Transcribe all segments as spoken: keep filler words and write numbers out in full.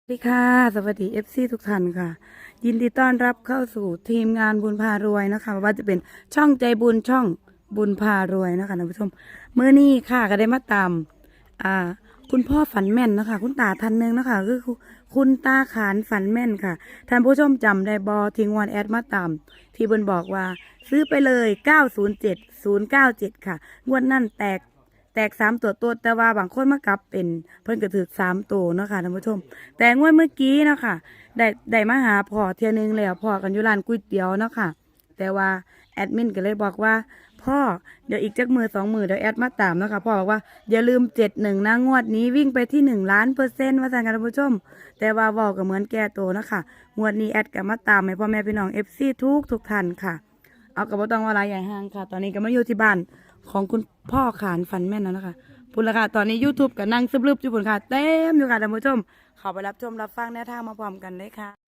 สวัสดีค่ะสวัสดีเอฟซีทุกท่านค่ะยินดีต้อนรับเข้าสู่ทีมงานบุญพารวยนะคะว่าจะเป็นช่องใจบุญช่องบุญพารวยนะคะท่านผู้ชมเมื่อนี้ค่ะก็ได้มาตามอ่าคุณพ่อฝันแม่นนะคะคุณตาท่านหนึ่งนะคะคือคุณตาขานฝันแม่นค่ะท่านผู้ชมจำได้บอทิ้งวันแอดมาตามที่บุญบอกว่าซื้อไปเลยเก้าศูนย์เจ็ด ศูนย์เก้าเจ็ดค่ะงวดนั่นแตกแตกสามตัวตัวแต่ว่าบางคนมากลับเป็นเพิ่นก็ถือสามตัวเนาะค่ะท่านผู้ชมแต่งวดเมื่อกี้เนาะค่ะได้ได้มาหาพ่อเที่ยนึงแล้วพ่อกันอยู่ร้านก๋วยเตี๋ยวเนาะค่ะแต่ว่าแอดมินก็เลยบอกว่าพ่อเดี๋ยวอีกจักมือสองมือเดี๋ยวแอดมาตามเนาะค่ะพ่อบอกว่าอย่าลืมเจ็ดหนึ่งนะงวดนี้วิ่งไปที่หนึ่งล้านเปอร์เซ็นต์ว่าสั่งกันท่านผู้ชมแต่ว่าบอกก็เหมือนแก่โตเนาะค่ะงวดนี้แอดก็มาตามให้พ่อแม่พี่น้องเอฟซีทุกทุกท่านค่ะเอากระเป๋าตังค์วาลาใหญ่ห้างค่ะตอนนี้ก็มาอยู่ที่บ้านของคุณพ่อขานฝันแม่นแล้วนะคะพุ่นละค่ะตอนนี้ YouTube ก็นั่งซึบลึบอยู่พุ่นค่ะเต็มอยู่ค่ะท่านผู้ชมเข้าไปรับชมรับฟังแนวทางมาพร้อมกันเลยค่ะ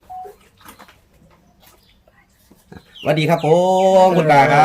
สวัสดีครับผมคุณตาครับ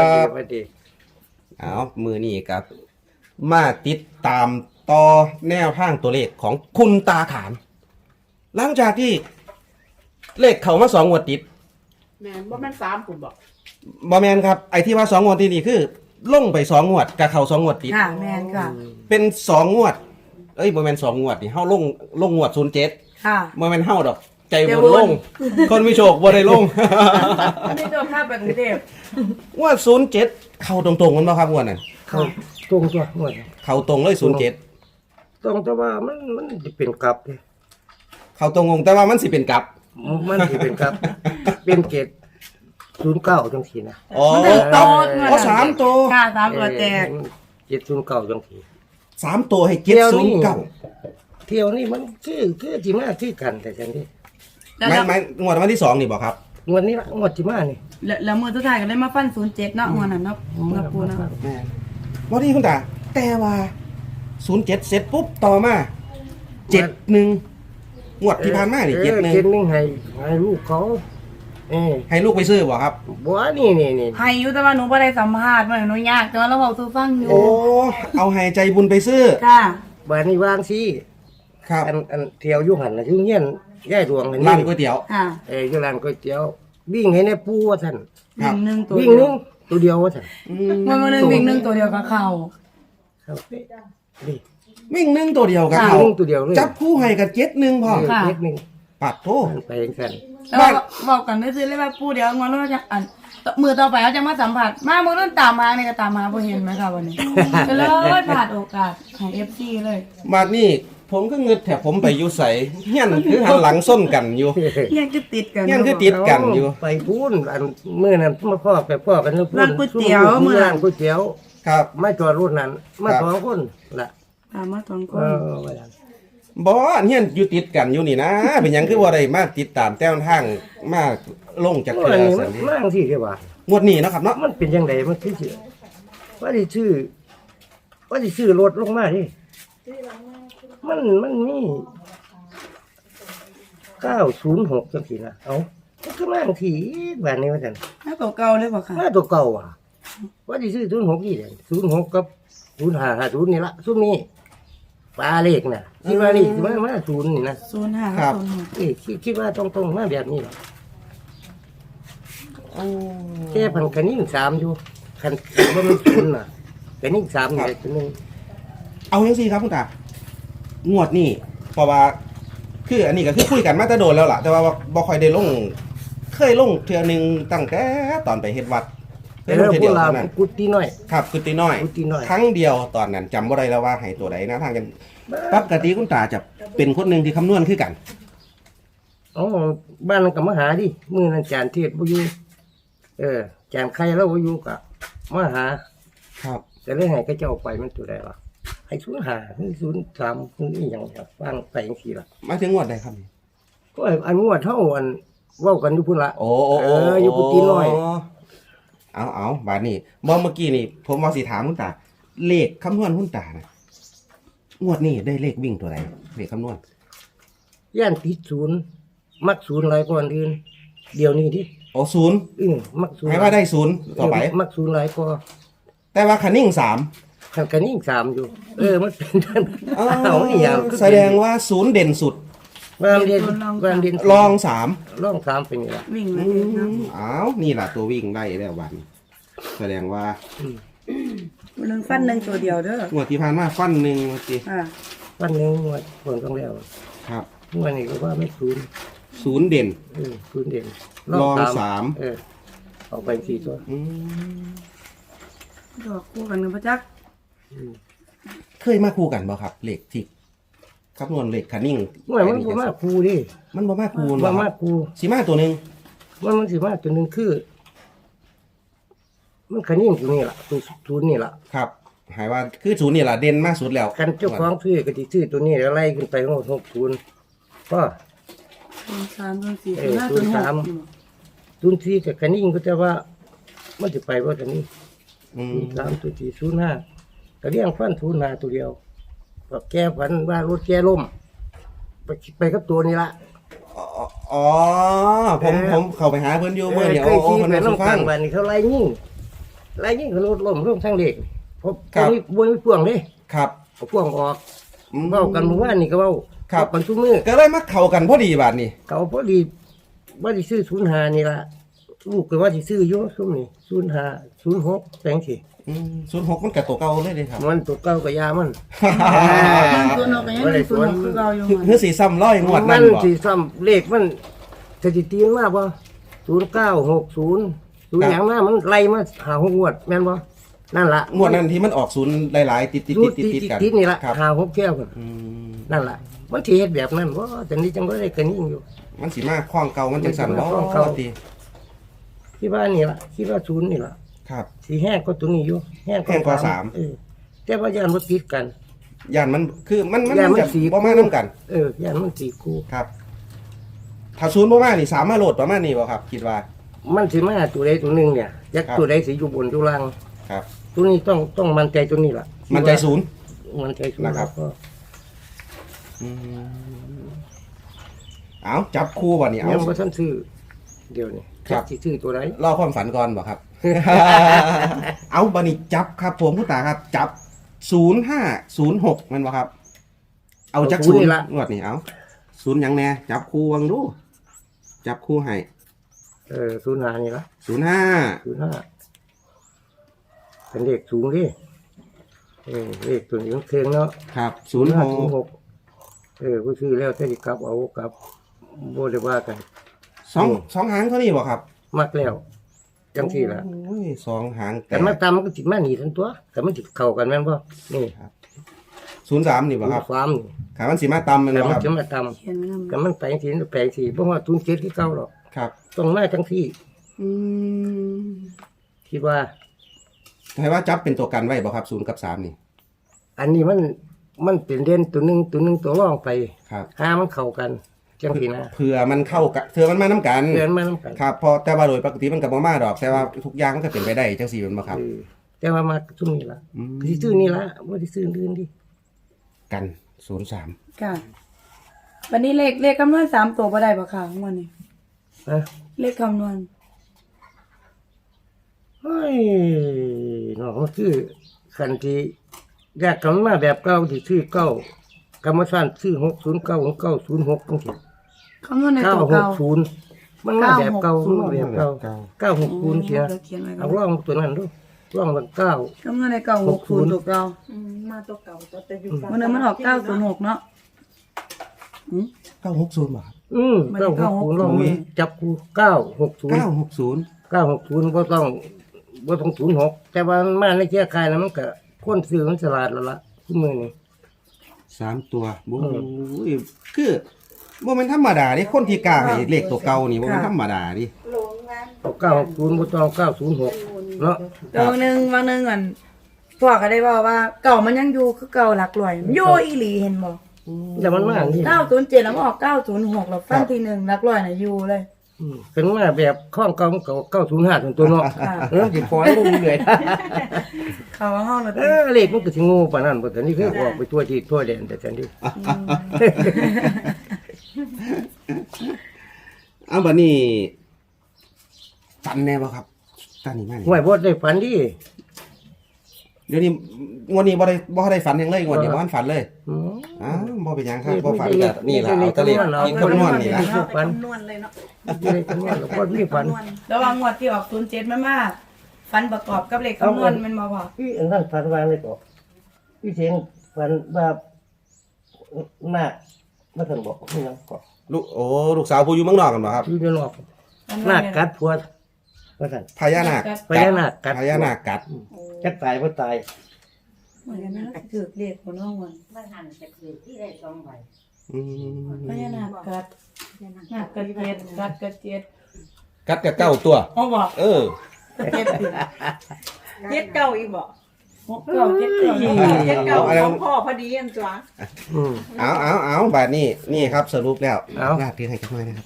สวัสดีเอามือนี่ครับมาติดตามต่อแนวทางตัวเลขของคุณตาขานหลังจากที่เลขเขามาสองงวดติดแม่นบ่แม่นสามคุณบอกบอแมนครับไอ้ที่ว่าสองงวดที่นี่คือลงไปสองงวดกับเขาสองงวดติดค่ะแมนค่ะเป็นสองงวดเอ้ยบอแมนสองงวดนี่เฮาลงลงงวดศูนย์เจ็ดค่ะบอแมนเฮาดอกใจใจบบุนญลง คนมีโชคบ่ได้ลงนี่โดนภาพแบบกรุงเทพงวดศูนย์เจ็ดเข้าตรงๆกันบ่ครับงวดนั้นเขาตรงตัวหมดเข้าตรงเลยศูนย์เจ็ดตรงแต่ว่ามันมันสิเป็นกลับเด้เข้าตรงงงแต่ว่ามันสิเป็นกลับมันสิเป็นกลับ เป็นเกตศูนย์เก้าจังซี่นะอ๋อมันถึงโตอ๋อสามตัวค่ะสามตัวแตกเจ็ดศูนย์เก้าจังซี่สามตัวให้เจ็ดศูนย์เก้าเที่ยวนี้มันคือคือสิมาที่กันแต่จังซี่แล้วไม่ไม่งวดวันที่สองนี่บอกครับงวดนี้ละงวดที่มานี่แล้วแล้วมือสุดท้ายก็ได้มาฟันศูนย์เจ็ดเนาะงวดนั้นเนาะเนาะปูเนาะวันนี้คุณตาแต่ว่าศูนย์เจ็ดเสร็จปุ๊บต่อมาเจ็ดหนึ่งงวดที่ผ่านมานี่เจ็ดหนึ่งเจ็ดหนึ่งให้ให้ลูกเขาเออให้ลูกไปซื้อบอกครับบ่นี่นี่นี่ให้อยู่แต่ว่าหนูบ่ได้สัมภาษณ์มันหนูยากแต่ว่าเราเว้าสู่ฟังอยู่โอ้เอาให้ใจบุญไปซื้อค่ะบ้านนี้วางสิครับอันอันเที่ยวอยู่หั่นน่ะอยู่เฮียนยายดวงอันร้านี้นก๋วยเตี๋ยวค่ะเอออยู่ร้านก๋วยเตี๋ยววิ่งให้ในปูว่าท่านครับวิ่งหนึ่งตัววิ่งหนึงตัวเดียวว่าท่านอืมวันวันหนึงวิ่งหนึ่งตัวเดียวกับเขาครับนี่วิ่งหนึ่งตัวเดียวกับค่ะเขาวิ่งตัวเดียวเลยจับคู่ให้กับเจ็ดหนึ่งพอเออเล็กหนึงปัดโทษไปเองกันแล้วก็บอกกันได้ซื้อเลยว่าปูเดี๋ยวงอนเราจะอันมือต่อไปเขาจะมาสัมผัสมามือต้นตามมาเนี่ยก็ตามมาพอเห็นไหมคะวันนี้ก็เลยผ่านโอกาสให้เอฟซีเลยมานี่ผมก็เงึดแถบผมไปอยู่ใสเฮี้ยนคือหันหลังส้นกันอยู่ยังจะติดกันยังคือติด กันอยู่ไปพูนอันมื้อนั้นมาพ่อไปพ่อกันพูร้านก๋วยเตี๋ยวมื้มื้ออนั้ร้าน นก๋วยเตี๋ยวครับมาจอดรถนั้นมาครับสองคนล่ะตามมาสองคเอน อว่าซั่นบอเฮียนอยู่ติดกันอยู่นี่นะ เป็นหยังคือว่าได้มาติดตามแต้วทางมาลงจากเมื่เรืออนี้สัมัน นนี้มาจังซี่เด้ว่างวดนี้เนาะครับเนาะมันเป็นจังไดมันคือสิว่าสิซื้อว่าสิซื้อรถลงมาดิมันมันมีเก้าศูนย์หกจังซี่นะเอ้ามันก็มาจังซี่บ้านนี้ว่าซั่นถ้าตัวเก่าเลยบอกค่ะมาตัวเก่าอ่ะว่าสิซื้อศูนย์หกนี่แหละศูนย์หกกับศูนย์ห้าห้าศูนย์นี่ละซุมนี้ปลาเลขน่ะคิดว่านี่สิมามาศูนย์นี่นะศูนย์ห้าศูนย์หกเอ้ยคิดคิดว่าตรงๆมาแบบนี้ล่ะแค่พันคันนิ่งสามอยู่คันบ่มันศูนย์น่ะคันนิ่งสามนี่แหละตัวหนึงเอายังสิครับคุณตางวดนี้เพราะว่าคืออันนี้ก็คือคุยกันมาแต่โดนแล้วล่ะ แต่ว่าบ่ค่อยได้ลง เคยลงเทื่อหนึงตั้งแต่ตอนไปเฮ็ดวัดเคยลแล้งวเทื่อพเดีวยวกเราเท่านั้นกุฏิน้อยครับคือตีน้อยกุฏิน้อยครั้งเดียวตอนนั้นจำบ่ได้แล้วว่าให้ตัวใดนะทางกันปกติคุณตาจะเป็นคนหนึงที่คำนวณคือกันอ๋อบ้านนั้นก็มาหาดิมื้อนั้นจานเทศบ่อยู่เออจานไข่แล้วบ่อยู่ก็มาหาครับแต่เรื่องไหนก็จะเอาไปมันตัวใดวะให้ศูนย์ห้าหรือศูนย์สามศูนย์อีหยังครับฟังไปจังซี่ล่ะมาถึงงวดใดครับนี่ก็อันงวดเท่าอันเว้ากันอยู่พุ่นละโอ้โอ้เอโอ้ออยู่กุฏิน้อยเอาเอาบาดนี้บ่เมื่อกี้นี่ ผมว่าสิถามคุณตา เลขคำนวณคุณตานะงวดนี้ได้เลขวิ่งตัวไหนเลขคำนวณย่านติดศูนย์มักศูนย์หลายกว่าอันอื่นเดี๋ยวนี้ดิโอ้ศูนย์อือมักศูนย์ให้ว่าได้ศูนย์ต่อไปเมักศูนย์หลายกว่าแต่ว่าคันนิ่งสามคันกันนี่อีกสามอยู่ เออมันเป็นท่านเอานี่อย่างแสดงว่าศูนย์เด่นสุดวางเรียนวางเรียนลองสามลองสามเป็นนี่ละวิ่งเลอืยเนาะมอ้าวนี่ล่ะตัววิ่งได้แล้ววันแสดงว่าหนึ่งฟันหนึ่งตัวเดียวเด้องวดที่ผ่านมาฟันหนึ่งเมื่อกี้อ่าวันหนึงงวดผลต้องแล้วครับวันนี้ก็ว่าไม่ศูนย์ศูนย์เด่นเออศูนย์เด่นลองสามเออออกไปสี่ตัวอืมดอกคู่กันกับพระจักอืมเคยมาคู่กันบ่ครับเหล็กที่คำนวณเหล็กคันนิ่งเมื่อมันบ่มาครูดิมันบ่มาคู่บ่บ่มาครับครูสีมาตัวหนึ่งมันมันสิมาตัวหนึงคือ มันคันยิ่งตัวนี้ล่ะตัวศูนย์นี่ล่ะครับ หายว่าคือศูนย์นี่ล่ะเด่นมากสุดแล้วกันเจ้าของซื้อก็สิซื้อตัวนี้แล้วไล่ขึ้นไปทั้งหมดหกศูนย์ก็ศูนย์สามศูนย์สี่เอศูนอย์ห้าศูนย์หศูนย์สามกศูนย์สี่กับคันยิ่งก็จะว่ามันจะไปว่าตัวนี้อืมศูนย์สามตัวสี่ศูนย์ห้าก็เรียงฟันศูนย์ห้าตัวเดียวก็แก้ฝันว่ารถแก้ล่มไปไปกับตัวนี้ละอ๋ออ๋อผมผมเข้าไปหาเพิ่นอยู่เมื่อเดี๋ยวเคยโอ้ขี่เพิ่นไปมาสู่น้ำฟักลาง งวันนี้เขาไล่ยิ่งไล่ยิ่งเขารถล่มร่มทั้งเด็กเพราะครับตัวนี้บวยไม่พ่วงเลยครับเอาพ่วงออกอืมเว้ากันเมื่อวานนี่ก็เว้าครับกันทุกมือก็เลยมาเข้ากันพอดีบาดนี้เขาพอดีว่าที่ซื้อศูนย์หานี่ละลูกก็ว่าที่ซื้ออยู่ซุ่มนี่ศูนย์หาศูนย์หกแปลงสิศูนย์หกมันกับตัวเก่าเลยเลยครับมันตัวเก่ากับยามันศูนย์หกก็ยังหนึ่งศูนย์หกคือเราอยู่คือคือสีซ้ำร้อยงวดมันั่นนบ่สีซ้ำเลขมันสถิติมันมากบ่ศูนย์เก้าหกศูนย์ศูนย์อย่างมามันไล่มาหาหกงวดแม่นบ่นั่นละงวดนั้นที่มันออกศูนย์หลายๆติดติดศูตินดย์ติติดดติดกันติดนี่ละครับหาหกแก้วกันอืมนั่นละมันที่เฮ็ดแบบนั้นบ่แต่นี้จังบ่ได้กันยิ่งอยู่มันสีมาคล้องเก่ามันจังสั่นบ่มันสิมาคล้องเก่าติคิดว่านี่ละคิดว่าศูนย์นี่ละครับสีแห้งก็ตัวนี้อยู่แห้งแห้งกว่าสามเออแต่ว่ายานบ่ติดกันย่านมันคือมันมันย่านมันจะสีบ่มานํกันเออยานมันสีคู่ครับ ถ้าศูนย์บ่มานี่สามมาโหลดประมาณนี้บ่ครับ คิดว่ามันสิมาตัวใดตัวหนึงเนี่ยจักครับตัวใดสิอยู่บนอยู่ล่างครับตัวนี้ต้องต้องมั่นใจตัวนี้ล่ะมันใจศูนย์มั่นใจศูนย์นะครับก็อืมเอาจับคู่บ่นี่เอายังบ่ทันซื้อเดี๋ยวนี้ครับสิซื้อตัวใดรอความฝันก่อนบ่ครับ เอาบันิจับครับผมคุณตาครับ จับศูนย์ห้าศูนย์หกมันบ่ครับ เอาจักศูนย์งวดนี่เอาศูนย์หยังแน่จับคู่วังดู จับคู่ให้เออศูนย์ห้านี่ล่ะศูนย์ห้าศูนย์ห้าเป็นเลขสูงดิเออเลขตัวนี้มันเครื่องเนาะครับศูนย์หศูนย์หกกเออผู้ซื้อแล้วถ้าสิกลับเอากลับบ่ได้ว่ากันสองสองหางเท่านี้บ่ครับมักแล้วจังซี่ล่ะโอ้ยสองหางแต่มาตามมันก็สิมาหนีทั้งตัวแต่มันสิเข้ากันแม่นบ่นี่ศูนย์สามนี่บ่ครับฟาร์มนี่ขามันสีมาตำมันแต่บ่มัคน รับจะมาตามเขียนไว้นำแต่มันแปลงสีแปลงสีเพราะว่าทุนเจ็ดที่เก่าหรอกครับต้องมาทั้งที่อืมคิดว่าให้ว่าจับเป็นตัวกันไว้บ่ครับศูนย์กับสามนี่อันนี้มันมันเป็นเด่นตัวหนึงตัวหนึงตัวรองไปครับหามันเข้ากันจังซี่นะเผื่อมันเข้ากันเผื่อมันมาน้ำกันเดือนมานํกันครับเพอแต่ว่าโดยปกติมันกับบ่มาดอก แต่ว่าทุกอย่างมันก็เป็นไปได้จังสี่แมันบ่ครับเออแต่ว่ามาซุ่มนี่ล่ะอืมสิซื้อนี่ล่ะบ่ได้ซื้ออื่นดิกันศูนย์สามค่ะวันนี้เลขเลขคำนวณสามตัวบ่ได้บ่ค่ะของวันนี้ฮะเลขคำนวณเฮ้ยเนาะมันคือคันที่อยากกันมาแบบเก่าที่ซื้อเก่ากรรมฐานซื้อหกศูนย์เก้าของเก้าศูนย์หกจังซี่คำนวณในเก้าตัวหเก่ากศูนย์มันมาแบบเก่ามันมาแบบเก่าเก้าหกศูนย์เสียเขียนไว้ก่เอาอนร่องตัวนั้นดูร่องมันเก้าคำนวณในเก่าหกศูนย์ตัวเก่าอืมมาตัวเก่าตัวแต่อยู่วันนั้นมันออกเก้าศูนย์หกเนาะอืมเก้าหกศูนย์บ่ครับอืมมันเก้าหกศูนย์ร่องมันจับกูเก้าหกศูนย์เก้าหกศูนย์เก้าหกศูนย์ก็ต้องบ่ต้องศูนย์หกแต่ว่ามันมาในเจ้าคายแล้วมันก็คนซื้อมันฉลาดแล้วล่ะทุกมือนี่สามตัวโอ้ยคือบ่แม่นธรรมดาดิคนที่กล้าให้เลขตัวเก่านี่บ่แม่นธรรมดาดิโรงงานเอาเก้าหกศูนย์บ่ต้องเอาเก้าศูนย์หกเนาะแต่วันหนึ่งวันหนึ่งก่อนพ่อก็ได้บอกว่าเก่ามันยังอยู่คือเก่าหลักร้อยมันอยู่อีหลีเห็นบ่แต่มันมาอย่างนี้เก้าศูนย์เจ็ดแล้วมันออกเก้าศูนย์หกแล้วฟันทีหนึ่งหลักร้อยน่ะอยู่เลยอืมเป็นมาแบบข้องเก่ามันก็เก้าศูนย์ห้าตัวเนาะค่ะเออสิขอลงเหนื่อยเขาว่าห้องเราเออเลขมันก็สิโง่ปานนั้นบ่แต่นี่คือออกไปทั่วที่ทั่วแดนแต่ฉันดิเอาบัดนี้ฝันแน่บ่ครับตอนนี้มานี่ห่วยบ่ได้ฝันดิเดี๋ยวนี้งวดนี้บ่ได้บ่ได้ฝันหยังเลยงวดนี้บ่ทันฝันเลยอืมอ้าวบ่เป็นหยังครับบ่ฝันก็นี่ล่ะเอาแตะเลขกินคำนวณนี่ล่ะฝัฝันนนวณเลยเนาะไม่ได้คำนวณหรอกก็มีฝันระหว่างงวดที่ออกศูนย์เจ็ดมันมาฟันประกอบกับเลขคำนวณแมันมาพอพี่อันนั้นฝันว่าอะไรก็พี่เสียงฝันว่าหน้าไม่ทันบอกไม่ยังก็ลูกโอ้ลูกสาวผู้อยู่เมืองนอกกันบ่ครับที่จะนอกหน้ากัดพวดว่าทันพญานาคพญานาคกัดพญานาคกัดจะตายว่าตายเหมือนกันนะถือเลขคนน้องวันมันหันจะคือที่ได้สองใบอืมพญานาคกัดนาคกัดเจ็ดกัดกัดเจ็ดกัดกับเก้าตัวอ๋อบอกเออเจ็ดติดเจ็ดเก้าอีกบ่หกเก้าเจ็ดเก้าเจ็ดเก้าของพ่อพอดีอันจ้ะอืมเอาเอาเอาบาดนี้นี่ครับสรุปแล้วเอาลาดเรียงให้จักหน่อยนะครับ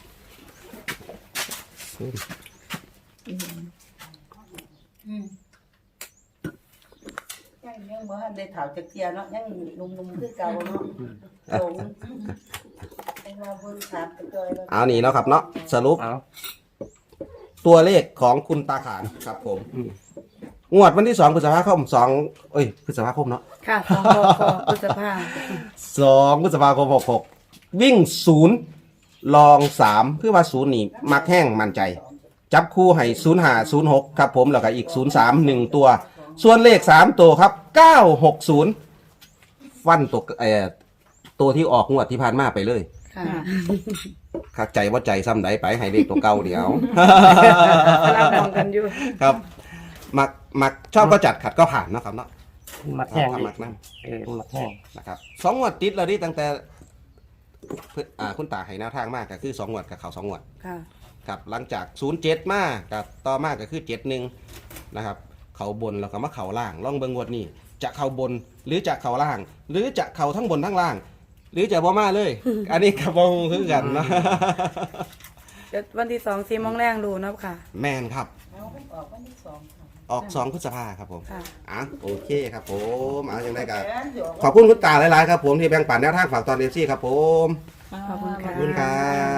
ยังยังบ่ทันได้เฒ่าจักเที่ยเนาะยังหนุ่มๆคือเก่าเนาะโตแต่ว่าเบิ่งขาดไปจอยแล้วเอานี่เนาะครับเนาะสรุปเอาตัวเลขของคุณตาขานครับผมอืมงวดวันที่สองพฤษภาคมสองเอ้ยพฤษภาคมเนาะค่ะสองพอพฤษภาสองพฤษภาคมหกหกวิ่งศูนย์ลองสามเพื่อว่าศูนย์นี่มักแห้งมั่นใจ จับคู่ให้ศูนย์ห้าศูนย์หกครับผมแล้วก็อีกศูนย์สามหนึ่งตัว ส่วนเลขสามตัวครับเก้าหกศูนย์ฟันตัวเอ่อตัวที่ออกงวดที่ผ่านมาไปเลยค่ะขัดใจว่าใจซ้ำใดไปให้เลขตัวเก่าเดี๋ยวเรามองกันอยู่ครับมักมักชอบก็จัดขัดก็ผ่านเนาะครับเนาะมักแห้งครับดิมักนั่งเออมักแห้งนะครับสองงวดติดแล้วนี่ตั้งแต่เพิ่นอ่าคุณตาให้แนวทางมากก็คือสองงวดกับเขาสองงวดค่ะครับหลังจากศูนย์เจ็ดมากับต่อมาก็คือเจ็ดหนึ่งนะครับเขาบนแล้วก็มาเขาล่างล่องเบิงงวดนี้จะเขาบนหรือจะเขาล่าง หรือจะเขาทั้งบนทั้งล่าง หรือจะบ่มาเลย อันนี้กับบงคือกันนะเดี๋ยววันที่สองสี่โมงแรงดูนะค่ะแมนครับเอามันออกวันที่สองค่ะออกสองพฤษภาครับผมค่ะอ่ะโอเคครับผมเอาอย่างไรกันแสนอยู่ขอบคุณคุณตาหลายๆครับผมที่แบ่งปันแนวทางฝากตอนเอฟซีครับผมขอบคุณขค่ะอบคุณครับ